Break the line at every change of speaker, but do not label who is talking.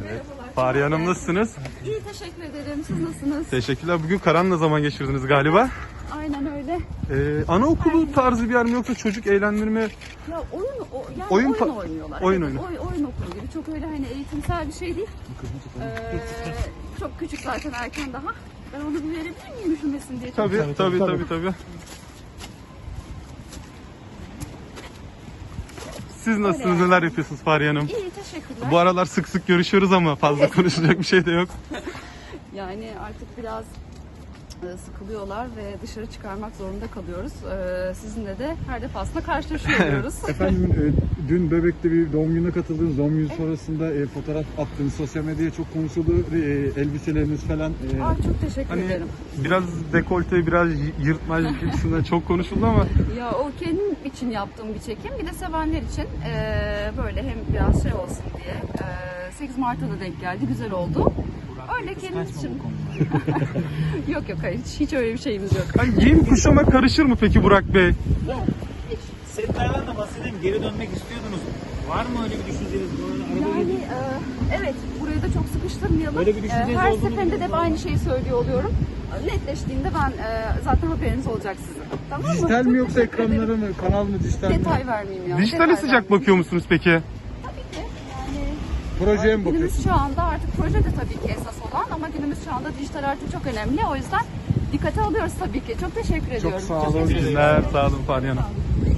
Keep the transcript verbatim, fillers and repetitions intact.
Merhabalar.
Fahriye Hanım nasılsınız?
İyi, teşekkür ederim. Siz nasılsınız?
Teşekkürler. Bugün Karan'la zaman geçirdiniz galiba.
Aynen öyle.
Ee, anaokulu tarzı bir yer mi yoksa çocuk eğlendirme?
Ya oyun, o, yani
Oyun
oyun,
pa-
oynuyorlar.
oyun
Evet,
oyunu.
oy, oyun okulu gibi. Çok öyle hani eğitimsel bir şey değil. Ee, çok küçük zaten, erken daha. Ben onu bir verebilir miyim üşümesin diye?
Tabii tabii tabii tabii. tabii. Siz nasılsınız? Neler yapıyorsunuz Fahriye Hanım?
İyi, teşekkürler.
Bu aralar sık sık görüşüyoruz ama fazla konuşacak bir şey de yok.
Yani artık biraz e, sıkılıyorlar ve dışarı çıkarmak zorunda kalıyoruz. Ee, sizinle de her defasında karşılaşıyoruz.
Efendim e, dün Bebek'te bir doğum gününe katıldınız. Doğum günü sonrasında e, fotoğraf attınız. Sosyal medyaya çok konuşuldu. E, elbiseleriniz falan. E,
Ay, çok teşekkür
Hani
ederim.
biraz dekolte, biraz yırtmaç gibisinden çok konuşuldu ama
Ya o kendim için yaptığım bir çekim. Bir de sevenler için eee, böyle hem biraz şey olsun diye. Eee, sekiz Mart'a da denk geldi. Güzel oldu. Öyle kendimiz için. Yok yok, hayır. Hiç, hiç öyle bir şeyimiz yok.
hani giyim kuşama karışır mı peki Burak Bey?
Setlerden de bahsedeyim. Geri dönmek istiyordunuz. Var mı öyle bir düşünceniz? Böyle araba
Yani eee, evet, burayı da çok sıkıştırmayalım.
Böyle bir düşünceniz
Eee, her
olduğunu
seferinde de hep
biliyorum.
aynı şeyi söylüyor oluyorum. Netleştiğinde ben eee, zaten haberiniz olacak sizin. Tamam mı?
dijital
Çok
mi yoksa
teşekkür ederim.
ekranları mı? Kanal mı dijital mi?
Detay vermeyeyim ya.
Dijitale
detay
sıcak
vermeyeyim.
bakıyor musunuz peki?
Tabii ki. Yani
Projeye mi
günümüz
bakıyorsunuz?
şu anda artık proje de tabii ki esas olan, ama günümüz şu anda dijital artık çok önemli. O yüzden dikkate alıyoruz tabii ki. Çok teşekkür ediyorum.
sağ olun.
İyi günler, sağ olun Fahriye Hanım.
Sağ olun.